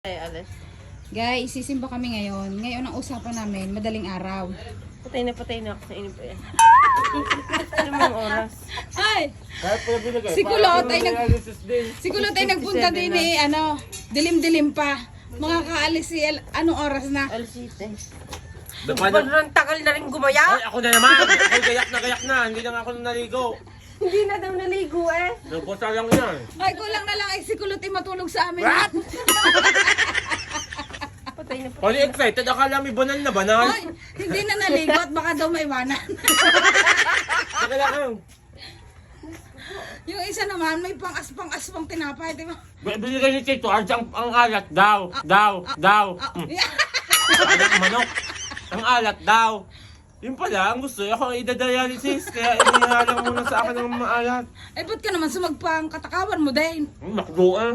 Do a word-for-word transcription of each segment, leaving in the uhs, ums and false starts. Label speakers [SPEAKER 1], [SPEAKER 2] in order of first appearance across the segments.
[SPEAKER 1] Ay, alas.
[SPEAKER 2] Guys, sisimba kami ngayon. Ngayon ang usapan namin, madaling araw.
[SPEAKER 1] Patay na patay na ako sa inyo pa yan. Ano mga oras?
[SPEAKER 2] Ay! Si Kulot ay nag Si Kulot ay nagpunta din eh, ano, dilim-dilim pa. Makakaalis si El, anong oras na?
[SPEAKER 1] Alasite.
[SPEAKER 3] Sobrang
[SPEAKER 1] tagal na rin gumaya.
[SPEAKER 3] Ay, ako na naman! Ay, gayak na gayak na! Hindi na nga ako naligo.
[SPEAKER 1] Hindi na daw naligo eh.
[SPEAKER 3] Nagpunta lang yan.
[SPEAKER 2] Ay, kulang na lang ay si Kulot ay matulog sa amin.
[SPEAKER 1] Patay na patay.
[SPEAKER 3] Pali excited, akala may banal na banal.
[SPEAKER 2] Ay, hindi na naligo at baka daw maiwanan.
[SPEAKER 3] Saka lang.
[SPEAKER 2] Yung isa naman, may pang-aspang-aspang tinapay, di ba?
[SPEAKER 3] Binigay ni Tito, Arj, ang, ang alat daw. Daw, daw. Hmm. Anak manok. Ang alat daw. Yun pala, ang gusto, ako ang idadialysis, kaya inihalang muna sa akin ng maalat.
[SPEAKER 2] Ay, ba't ka naman sumagpang katakawan mo din?
[SPEAKER 3] Hmm, nakdo ah.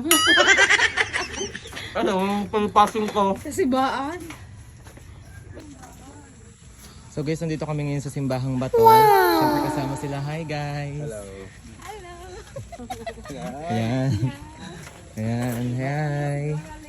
[SPEAKER 3] Ano, ang pangpasing ko.
[SPEAKER 2] Sa sibaan.
[SPEAKER 4] So guys, nandito kami ngayon sa Simbahang Bato. Wow! Siyempre kasama sila. Hi guys! Hello! Ayan. Ayan, hi!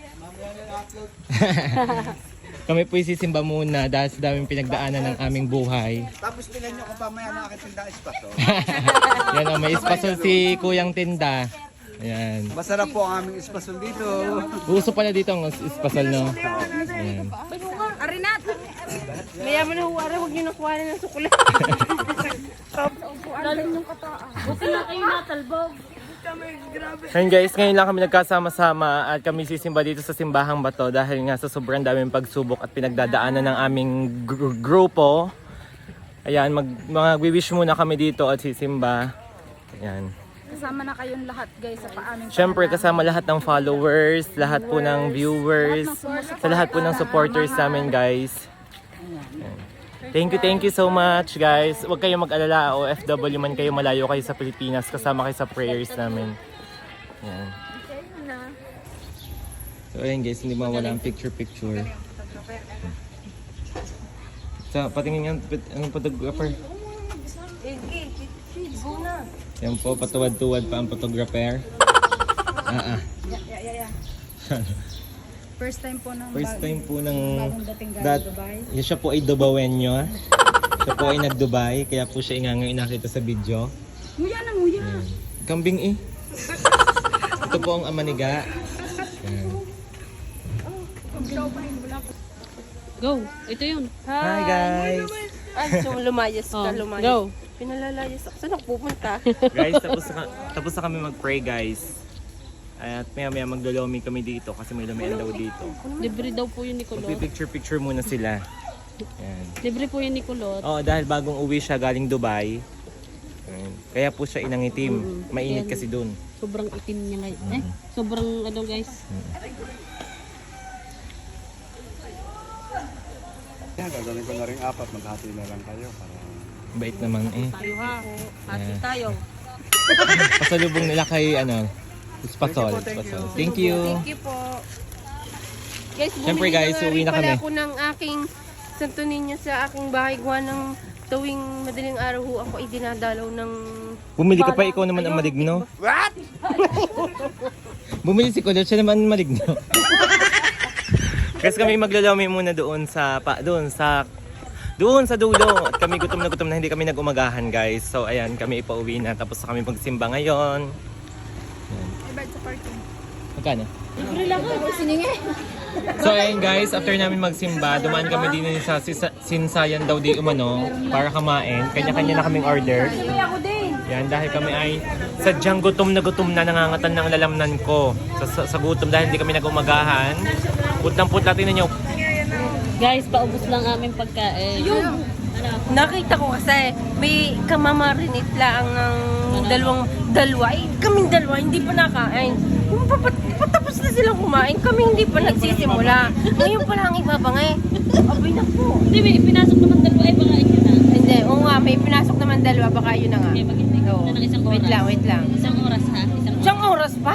[SPEAKER 4] Kami po isisimba muna dahil sa daming pinagdaanan ng aming buhay.
[SPEAKER 5] Tapos tingnan nyo kung pamaya na aking tinda espaso.
[SPEAKER 4] Yan o, may espasol si Kuyang Tinda. Ayan.
[SPEAKER 5] Masarap po ang aming espasol dito.
[SPEAKER 4] Uso pala dito ang espasol, no? Ayan.
[SPEAKER 2] Arinat!
[SPEAKER 1] Mayaman na huwara, huwag niyo nakuha na ng sukulat. Lalim yung kataan. Buti na kayo natalbog.
[SPEAKER 4] Ayun guys, ngayon lang kami nagkasama-sama at kami sisimba dito sa Simbahang Bato dahil nga sa sobrang daming pagsubok at pinagdadaanan ng aming gr- grupo. Ayan, mag, mag-wish muna kami dito at sisimba. Ayan.
[SPEAKER 2] Kasama na kayong lahat guys sa paaming
[SPEAKER 4] Siyempre kasama lahat ng followers, lahat po ng viewers, sa lahat po ng supporters namin guys. Ayan. Thank you, thank you so much guys. Huwag kayong mag-alala, O F W man kayo, malayo kayo sa Pilipinas, kasama kayo sa prayers namin. Ayan. So ayun guys, hindi mawala ang picture-picture. Sa patingin yan, anong photographer? Yan po, patuwad-tuwad pa ang photographer. Ah ah.
[SPEAKER 2] Yeah, yeah, yeah. First time po ng
[SPEAKER 4] First time po ng
[SPEAKER 2] bagong dating galing
[SPEAKER 4] that,
[SPEAKER 2] Dubai.
[SPEAKER 4] yeah, siya po ay Dubawenyo. Siya po ay nag-Dubai, kaya po siya ingangay nakita sa video.
[SPEAKER 2] Nguya na nguya.
[SPEAKER 4] Ayan. Kambing eh. Ito po ang amaniga. Ayan.
[SPEAKER 6] Go. Ito yun.
[SPEAKER 4] Hi guys!
[SPEAKER 1] Ay, so lumayas ka,
[SPEAKER 6] Oh,
[SPEAKER 1] lumayas.
[SPEAKER 6] go.
[SPEAKER 1] Pinalalayas ako. Saan ako pupunta?
[SPEAKER 4] Guys, tapos na, tapos na kami mag-pray guys. At maya maya maglolomi kami dito kasi may lumian daw dito.
[SPEAKER 6] Libre daw po yun ni Kulot.
[SPEAKER 4] Magpipicture-picture muna sila. Ayan.
[SPEAKER 6] Libre po yun ni Kulot.
[SPEAKER 4] Oo, dahil bagong uwi siya galing Dubai. Ayan. Kaya po siya inangitim. Mainit
[SPEAKER 6] Yan.
[SPEAKER 4] kasi dun.
[SPEAKER 6] Sobrang itim niya ngayon. Eh, sobrang ano guys.
[SPEAKER 5] Yan, gagawin ko na rin apat. Maghati na lang kayo. Para...
[SPEAKER 4] Bait naman eh.
[SPEAKER 6] Tayo ha. Hati tayo.
[SPEAKER 4] Pasalubong nila kay ano, Spasol. Spasol. Thank you.
[SPEAKER 1] Thank you po. Guys,
[SPEAKER 4] Siyempre,
[SPEAKER 1] bumili
[SPEAKER 4] guys,
[SPEAKER 1] na nga
[SPEAKER 4] uwi
[SPEAKER 1] rin
[SPEAKER 4] na
[SPEAKER 1] pala
[SPEAKER 4] kami.
[SPEAKER 1] ako ng aking Santo Niño sa aking bahay. Gawa ng tuwing madaling araw ho ako ay dinadalaw ng...
[SPEAKER 4] Bumili ka pa, ikaw naman ang maligno.
[SPEAKER 1] What?
[SPEAKER 4] Bumili si Kulot, siya naman ang maligno. Kasi kami maglalomi muna doon sa pa, doon sa doon sa dulo. At kami gutom na gutom na, hindi kami nag-umagahan guys. So ayan, kami ipauwi na, tapos na kami magsimba ngayon. Magkano?
[SPEAKER 6] Libre lang ha.
[SPEAKER 4] So ayun guys, after namin magsimba, dumaan kami din sa Sisa- Sinsayan daw di umano para kumain. Kanya-kanya na kaming order. Yan, dahil kami ay sadyang gutom na gutom na, nangangatan ng lalamnan ko sa, sa, sa gutom dahil hindi kami nag-umagahan. Putlang-putla, tingnan nyo.
[SPEAKER 6] Guys, paubos lang aming pagkain. Ano?
[SPEAKER 1] Nakita ko kasi may kamamarinit lang ang dalawang dalawa. Eh, kaming dalawa hindi pa nakain. Yung papat- patapos na silang kumain, kami hindi pa nagsisimula. Ngayon pa lang ibabangay. Abay na po.
[SPEAKER 6] Hindi, may pinasok naman dalawa ay baka yun na.
[SPEAKER 1] Hindi, oo nga, may pinasok naman dalawa, baka yun na nga.
[SPEAKER 6] Okay, maghintay ko
[SPEAKER 1] Oo.
[SPEAKER 6] na ng isang
[SPEAKER 1] Wait
[SPEAKER 6] oras.
[SPEAKER 1] lang, wait lang.
[SPEAKER 6] Isang oras ha. Isang oras.
[SPEAKER 1] Siyang oras pa?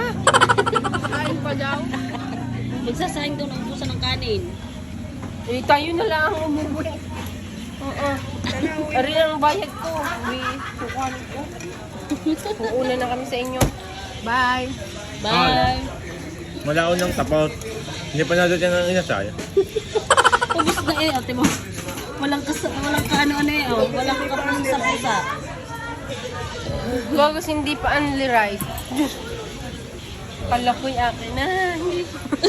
[SPEAKER 6] Magsasayang daw ng ubusan ng kanin.
[SPEAKER 1] Eh, tayo na lang ang umuwi. Oo. Ari ang bayad ko. Uwi, sukan ko. Uuna na kami sa inyo. Bye!
[SPEAKER 6] Bye.
[SPEAKER 4] Malaon ng tapot.
[SPEAKER 3] Hindi pa natin yan ang inasal.
[SPEAKER 6] Ubus na eh, ate mo. Walang kas walang kaano-ano eh, oh. Walang kapuso sa pusa.
[SPEAKER 1] Gagos hindi pa only rice. Diyos. Kala ko'y akin na. Hindi.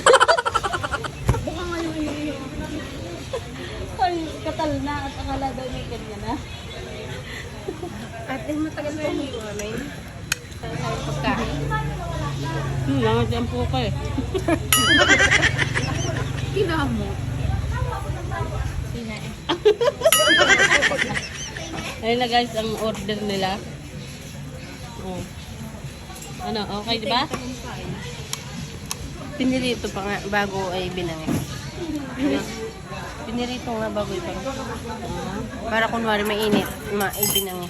[SPEAKER 6] Ay, katal na at akala daw may ganyan na.
[SPEAKER 1] Ate, matagal pa yung iwanan. Sa pagkain.
[SPEAKER 6] Hmm, langat yan po ka eh.
[SPEAKER 2] Kinamo.
[SPEAKER 6] Ayun na guys, ang order nila. Oh. Ano, okay di ba?
[SPEAKER 1] Pinirito pa nga bago ay binangi. Pinirito nga bago ibang. Para kunwari mainit, ma ay binangi.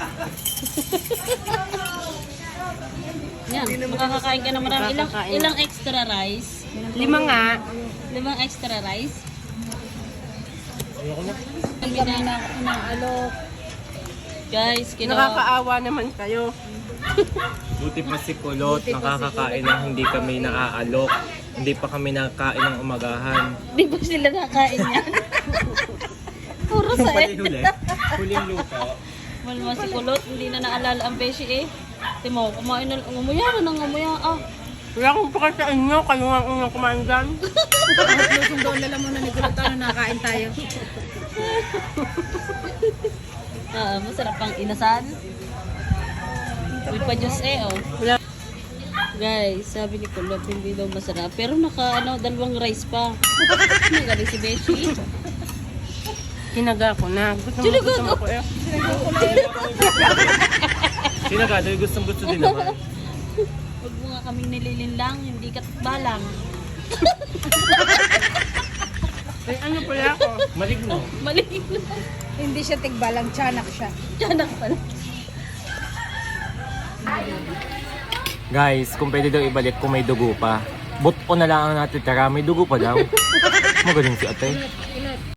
[SPEAKER 6] Yan, makakakain ka na marami. Ilang,
[SPEAKER 1] Makakakain.
[SPEAKER 6] ilang extra rice?
[SPEAKER 1] Lima nga.
[SPEAKER 6] Limang extra rice?
[SPEAKER 3] Ayoko na.
[SPEAKER 6] Kami na na alok. Guys, kino
[SPEAKER 1] Nakakaawa naman kayo.
[SPEAKER 4] Buti pa si Kulot, nakakakain ng hindi kami naaalok. Hindi pa kami nakakain ng umagahan.
[SPEAKER 6] Di ba sila nakain yan? Puro sa eh.
[SPEAKER 4] Huli, huling luto.
[SPEAKER 6] Malma si Kulot, hindi na naalala ang beshi eh. Timo, kumain na, umuya na nang umuya. Ah,
[SPEAKER 1] Wala akong pakal sa inyo, kayo nga ang unang kumain dyan.
[SPEAKER 2] At lusong doon lala muna ni Gulot ano nakain tayo.
[SPEAKER 6] ah masarap pang inasan. With pa juice eh, oh.
[SPEAKER 1] Wala.
[SPEAKER 6] Guys, sabi ni Kulot, hindi daw masarap. Pero naka, ano, dalawang rice pa. Nagaling si Beshi.
[SPEAKER 1] Tinaga ko na. Gusto mo,
[SPEAKER 6] Tinaga
[SPEAKER 1] gusto mo
[SPEAKER 6] ko?
[SPEAKER 1] ko eh.
[SPEAKER 4] Sinagado, gustong gusto din naman.
[SPEAKER 6] Huwag mo nga kaming nililinlang, hindi ka balang.
[SPEAKER 1] Ay, ano pala ako?
[SPEAKER 4] Maligno.
[SPEAKER 6] Maligin na.
[SPEAKER 2] Hindi siya tigbalang, tiyanak siya.
[SPEAKER 6] Tiyanak pala.
[SPEAKER 4] Guys, kung pwede daw ibalik kung may dugo pa. But ko na lang ang natitira, may dugo pa daw. Magaling si ate.